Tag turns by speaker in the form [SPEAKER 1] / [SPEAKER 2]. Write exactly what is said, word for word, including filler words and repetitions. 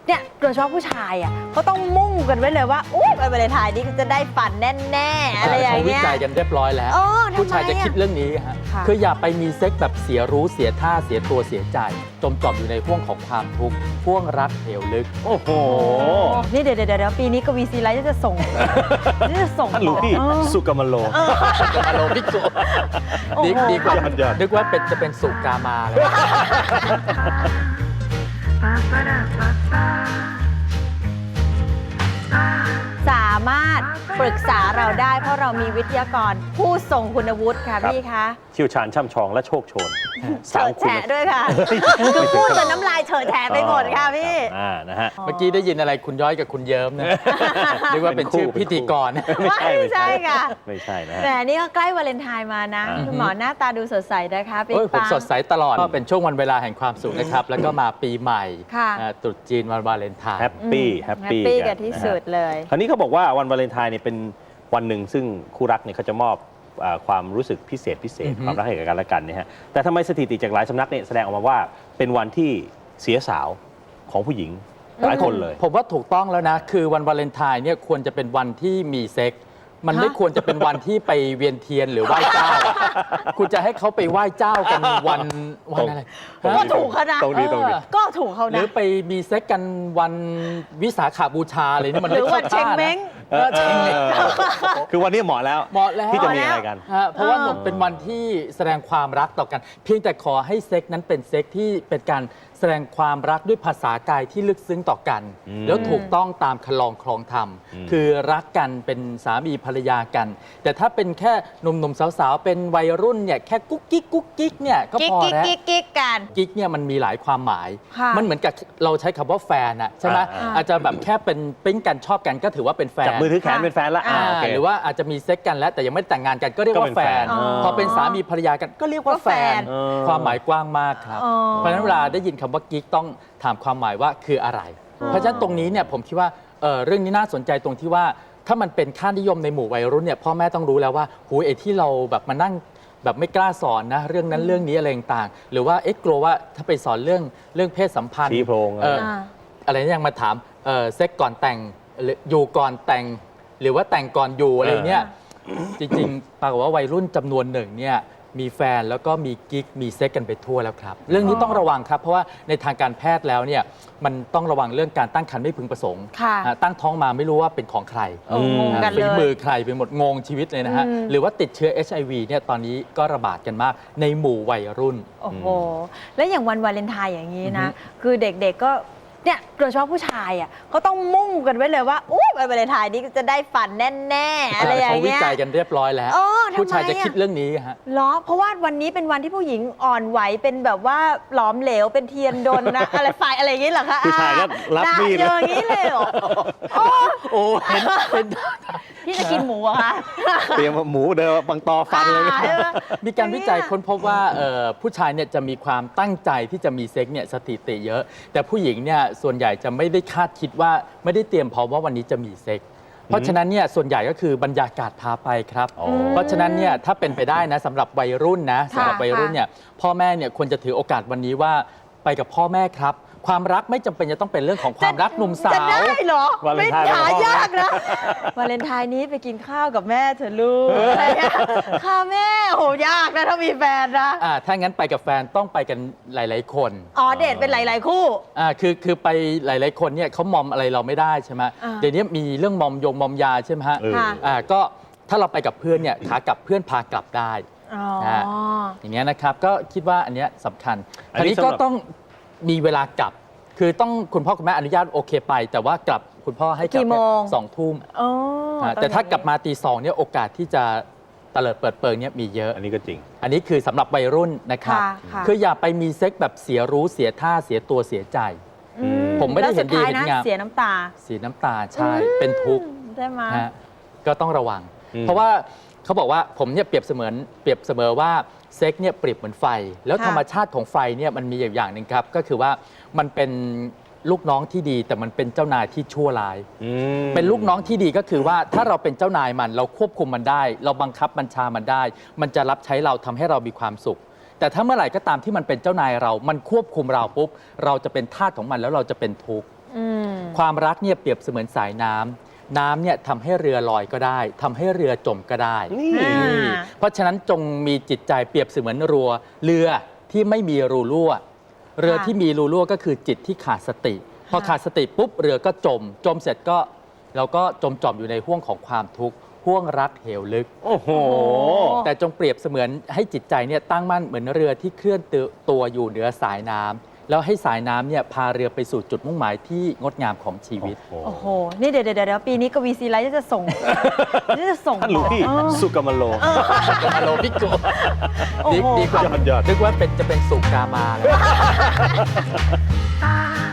[SPEAKER 1] เนี่ยโดยเฉพาะผู้ชายอ่ะเขาต้องมุ่งกันไว้เลยว่าอู้วันวาเลนไทน์นี้จะได้ฝันแน่ๆอะไรอย่างเงี้ย
[SPEAKER 2] เขาวิจัยกันเรียบร้อยแล้วผู้ชายจะคิดเรื่องนี้ฮะคืออย่าไปมีเซ็กแบบเสียรู้เสียท่าเสียตัวเสียใจจมจมอยู่ในห่วงของความทุกข์ห่วงรักเหวลึก
[SPEAKER 3] โอ้โห
[SPEAKER 1] นี่เดี๋ยวเดี๋ยวปีนี้กวีซีไลท์จะส่งจะส่ง
[SPEAKER 3] ท่านหลวงพี่สุกามโล
[SPEAKER 2] สุกามโลพิโกดีกว่านึกว่าเป็นจะเป็นสุกามาเลย
[SPEAKER 1] สามารถปรึกษาเราได้เพราะเรามีวิทยากรผู้ทรงคุณวุฒิค่ะพี่คะ
[SPEAKER 3] เชี่ยวชาญช่ำชองและโชคโชน
[SPEAKER 1] เฉิดแฉะด้วยค่ะคือพูดจนน้ำลายเฉิดแฉะไปหมดค่ะพี่
[SPEAKER 3] อ่านะฮะ
[SPEAKER 2] เมื่อกี้ได้ยินอะไรคุณย้อยกับคุณเยิ้มนะนึกว่าเป็นชื่อพิธีกร
[SPEAKER 1] ไม่ใช่ค่ะ
[SPEAKER 3] ไม่ใช่นะ
[SPEAKER 1] แต่นี่ก็ใกล้วาเลนไทน์มานะคุณหมอหน้าตาดูสดใสนะคะ
[SPEAKER 2] ปิ๊งปังผมสดใสตลอดก็เป็นช่วงวันเวลาแห่งความสุขนะครับแล้วก็มาปีใหม่ตรุษจีนวันวาเลนไทน์
[SPEAKER 3] แฮปปี้แฮปปี้
[SPEAKER 1] กันที่สุดเลย
[SPEAKER 3] คราวนี้เขาบอกว่าวันวาเลนไทน์เนี่ยเป็นวันหนึ่งซึ่งคู่รักเนี่ยเขาจะมอบความรู้สึกพิเศษพิเศษความรักให้กับกันและกันเนี่ยฮะแต่ทำไมสถิติจากหลายสำนักเนี่ยแสดงออกมาว่าเป็นวันที่เสียสาวของผู้หญิงหลายคนเลย
[SPEAKER 2] ผมว่าถูกต้องแล้วนะคือวันวาเลนไทน์เนี่ยควรจะเป็นวันที่มีเซ็กมันไม่ควรจะเป็นวันที่ไปเวียนเทียนหรือไหว้เจ้าคุณจะให้เขาไปไหว้เจ้ากันวันวันอะไร
[SPEAKER 1] ก็ถูกเขานะ
[SPEAKER 3] ตรงนี้ตรงนี้
[SPEAKER 1] ก็ถูกเขานะ
[SPEAKER 2] หรือไปมีเซ็กกันวันวิสาขบูชาอะไรนี่มันไม่เข้าท่านะ
[SPEAKER 3] คือวันนี้เหมาะแล้ว
[SPEAKER 2] เหมาะแล้ว
[SPEAKER 3] ที่จะมีอะไรกัน
[SPEAKER 2] เพราะว่าเป็นวันที่แสดงความรักต่อกันเพียงแต่ขอให้เซ็กนั้นเป็นเซ็กที่เป็นการแสดงความรักด้วยภาษากายที่ลึกซึ้งต่อกันแล้วถูกต้องตามคลองคลองธรรมคือรักกันเป็นสามีภรรยากันแต่ถ้าเป็นแค่หนุ่มๆสาวๆเป็นวัยรุ่นเนี่ยแค่กุ๊กกิ๊กกุ๊กกิ๊กเนี่ยก็พอแล้ว
[SPEAKER 1] กิ๊กกิ๊กกัน
[SPEAKER 2] กิ๊กเนี่ยมันมีหลายความหมายมันเหมือนกับเราใช้คำว่าแฟนอะใช่ไหมอาจจะแบบแค่เป็นปิ๊งกันชอบกันก็ถือว่าเป็นแฟน
[SPEAKER 3] จับมือถือแขนเป็นแฟนละ
[SPEAKER 2] หรือว่าอาจจะมีเซ็กกันแล้วแต่ยังไม่แต่งงานกันก็เรียกว่าแฟนพอเป็นสามีภรรยากันก็เรียกว่าแฟนความหมายกว้างมากครับเพราะฉะนั้นเวลาได้ยินคำว่ากิ๊กต้องถามความหมายว่าคืออะไรเพราะฉะนั้นตรงนี้เนี่ยผมคิดว่าเรื่องนี้น่าสนใจตรงที่ว่าถ้ามันเป็นค่านิยมในหมู่วัยรุ่นเนี่ยพ่อแม่ต้องรู้แล้วว่าหูไอ้ที่เราแบบมานั่งแบบไม่กล้าสอนนะเรื่องนั้นเรื่องนี้อะไรต่างๆหรือว่าเอ๊ะกลัวว่าถ้าไปสอนเรื่องเรื่องเพศสัมพันธ์
[SPEAKER 3] ชี้โพรง
[SPEAKER 2] อะไรนี่ยังมาถามเซ็กก่อนแต่งอยู่ก่อนแต่งหรือว่าแต่งก่อนอยู่อะไรเนี่ยจริงๆปรากฏว่าวัยรุ่นจำนวนหนึ่งเนี่ยมีแฟนแล้วก็มีกิ๊กมีเซ็กกันไปทั่วแล้วครับเรื่องนี้ต้องระวังครับเพราะว่าในทางการแพทย์แล้วเนี่ยมันต้องระวังเรื่องการตั้งครรภ์ไม่พึงประสงค์ตั้งท้องมาไม่รู้ว่าเป็นของใครฝีมือใครไปหมดงงชีวิตเลยนะฮะหรือว่าติดเชื้อ เอช ไอ วี เนี่ยตอนนี้ก็ระบาดกันมากในหมู่วัยรุ่น
[SPEAKER 1] โอ้โหและอย่างวันวาเลนไทน์อย่างนี้นะคือเด็กๆก็เนี่ยโดยเฉพาะผู้ชายอ่ะเขาต้องมุ่งกันไว้เลยว่าอู้วันวาเลนไทน์นี้จะได้ฝันแน่ๆอะไรอย่างเงี้ย
[SPEAKER 2] เขาวิจัยกันเรียบร้อยแล้วผู้ชายจะคิดเรื่องนี้ฮะ
[SPEAKER 1] เหรอเพราะว่าวันนี้เป็นวันที่ผู้หญิงอ่อนไหวเป็นแบบว่าหลอมเหลวเป็นเทียนดนนะอะไรไฟอะไรอย่างงี้เหรอคะ
[SPEAKER 3] ผู้ชายก็รับมีด
[SPEAKER 1] อย่างนี้เลยเหรอ
[SPEAKER 2] โอ้เห็นเป็น
[SPEAKER 1] พี่จะกินหมูอะคะ
[SPEAKER 3] เตรียมหมูเดินบังตอฟันเลย
[SPEAKER 2] มีการวิจัยค้นพบว่าผู้ชายเนี่ยจะมีความตั้งใจที่จะมีเซ็กเนี่ยสถิติเยอะแต่ผู้หญิงเนี่ยส่วนใหญ่จะไม่ได้คาดคิดว่าไม่ได้เตรียมพร้อมว่าวันนี้จะมีเซ็กเพราะฉะนั้นเนี่ยส่วนใหญ่ก็คือบรรยากาศพาไปครับเพราะฉะนั้นเนี่ยถ้าเป็นไปได้นะสำหรับวัยรุ่นนะสำหรับวัยรุ่นเนี่ยพ่อแม่เนี่ยควรจะถือโอกาสวันนี้ว่าไปกับพ่อแม่ครับความรักไม่จำเป็นจะต้องเป็นเรื่องของความรักหนุ่มสาว
[SPEAKER 1] จะได้เหรอไม่หายากนะวาเลนไทน์นี้ไปกินข้าวกับแม่เถอะลูกข้าวแม่โหยากนะถ้ามีแฟนนะ
[SPEAKER 2] อ่าถ้างั้นไปกับแฟนต้องไปกันหลายๆคน
[SPEAKER 1] อ๋อเดทเป็นหลายๆคู่
[SPEAKER 2] อ่าคือคือไปหลายๆคนเนี่ยเขามอมอะไรเราไม่ได้ใช่ไหมเดี๋ยวนี้มีเรื่องมอมยงมอมยาใช่ไหมฮะอ่าก็ถ้าเราไปกับเพื่อนเนี่ยขากลับเพื่อนพากลับได้อย่างเงี้ยนะครับก็คิดว่าอันเนี้ยสำคัญอันนี้ก็ต้องมีเวลากลับคือต้องคุณพ่อคุณแม่อนุญาตโอเคไปแต่ว่ากลับคุณพ่อให้กลับสองทุ่มแต่ถ้ากลับมาตีสองเนี่ยโอกาสที่จะเตลิดเปิดเปิงเนี่ยมีเยอะ
[SPEAKER 3] อันนี้ก็จริง
[SPEAKER 2] อันนี้คือสำหรับวัยรุ่นนะครับคืออย่าไปมีเซ็กแบบเสียรู้เสียท่าเสียตัวเสียใจผมไม่ได้เห็นดีเห็นงาม
[SPEAKER 1] เสียน้ำตา
[SPEAKER 2] เสียน้ำตาใช่เป็นทุกข์
[SPEAKER 1] ใช่ไหม
[SPEAKER 2] ก็ต้องระวังเพราะว่าเขาบอกว่าผมเนี่ยเปรียบเสมือนเปรียบเสมอว่าเซ็กเนี่ยเปรียบเหมือนไฟแล้วธรรมชาติของไฟเนี่ยมันมีอย่างหนึ่งครับก็คือว่ามันเป็นลูกน้องที่ดีแต่มันเป็นเจ้านายที่ชั่วร้ายเป็นลูกน้องที่ดีก็คือว่าถ้าเราเป็นเจ้านายมันเราควบคุมมันได้เราบังคับบัญชามันได้มันจะรับใช้เราทำให้เรามีความสุขแต่ถ้าเมื่อไหร่ก็ตามที่มันเป็นเจ้านายเรามันควบคุมเราปุ๊บเราจะเป็นทาสของมันแล้วเราจะเป็นทุกข์ความรักเนี่ยเปรียบเสมือนสายน้ำน้ำเนี่ยทำให้เรือลอยก็ได้ทำให้เรือจมก็ได้
[SPEAKER 3] นี่
[SPEAKER 1] อ่า
[SPEAKER 2] เพราะฉะนั้นจงมีจิตใจเปรียบเสมือนรัวเรือที่ไม่มีรูรั่ว เรือที่มีรูรั่วก็คือจิตที่ขาดสติ พอขาดสติปุ๊บเรือก็จม จมเสร็จก็เราก็จมจอมอยู่ในห้วงของความทุกข์ห้วงรักเหวลึก
[SPEAKER 3] โอ้โห
[SPEAKER 2] แต่จงเปรียบเสมือนให้จิตใจเนี่ยตั้งมั่นเหมือนเรือที่เคลื่อนตัวอยู่เหนือสายน้ำแล้วให้สายน้ำเนี่ยพาเรือไปสู่จุดมุ่งหมายที่งดงามของชีวิต
[SPEAKER 1] โอ้โห นี่เดี๋ยวเดี๋ยวเดี๋ยวปีนี้กวีซีไลท์จะส่ง จะส่ง
[SPEAKER 3] ท่านหลวงพี่
[SPEAKER 1] เออ
[SPEAKER 3] สุกามโล
[SPEAKER 2] อารมณ์พิโก
[SPEAKER 1] โอ้โห
[SPEAKER 2] ดีดีกว่าย
[SPEAKER 3] อดยอด
[SPEAKER 2] นึกว่าเป็นจะเป็นสุกามาแล้ว
[SPEAKER 1] ตา